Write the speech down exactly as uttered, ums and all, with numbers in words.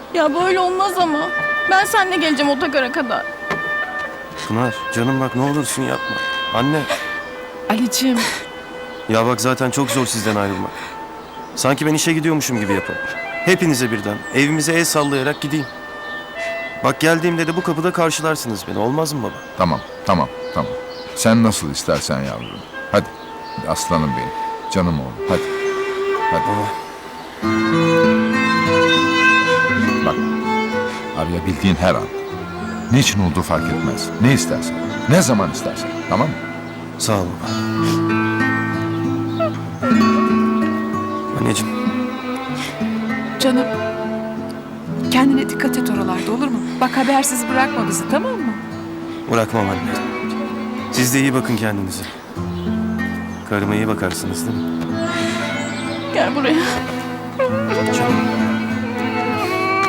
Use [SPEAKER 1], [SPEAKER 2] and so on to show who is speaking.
[SPEAKER 1] Ya böyle olmaz ama. Ben seninle geleceğim otogara kadar.
[SPEAKER 2] Pınar canım bak ne olursun yapma. Anne.
[SPEAKER 3] Ali'cim.
[SPEAKER 2] Ya bak zaten çok zor sizden ayrılmak. Sanki ben işe gidiyormuşum gibi yapın. Hepinize birden evimize el sallayarak gideyim. Bak geldiğimde de bu kapıda karşılarsınız beni. Olmaz mı baba?
[SPEAKER 4] Tamam, tamam, tamam. Sen nasıl istersen yavrum. Hadi, aslanım benim. Canım oğlum, hadi. Hadi. Bak, arayabildiğin her an. Niçin olduğu fark etmez. Ne istersen, ne zaman istersen. Tamam mı?
[SPEAKER 2] Sağ ol baba. Anneciğim.
[SPEAKER 3] Canım. Kendine dikkat et oralarda, olur mu? Bak habersiz bırakma bizi, tamam mı?
[SPEAKER 2] Bırakmam anne. Siz de iyi bakın kendinize. Karıma iyi bakarsınız değil mi?
[SPEAKER 1] Gel buraya.
[SPEAKER 2] Canım.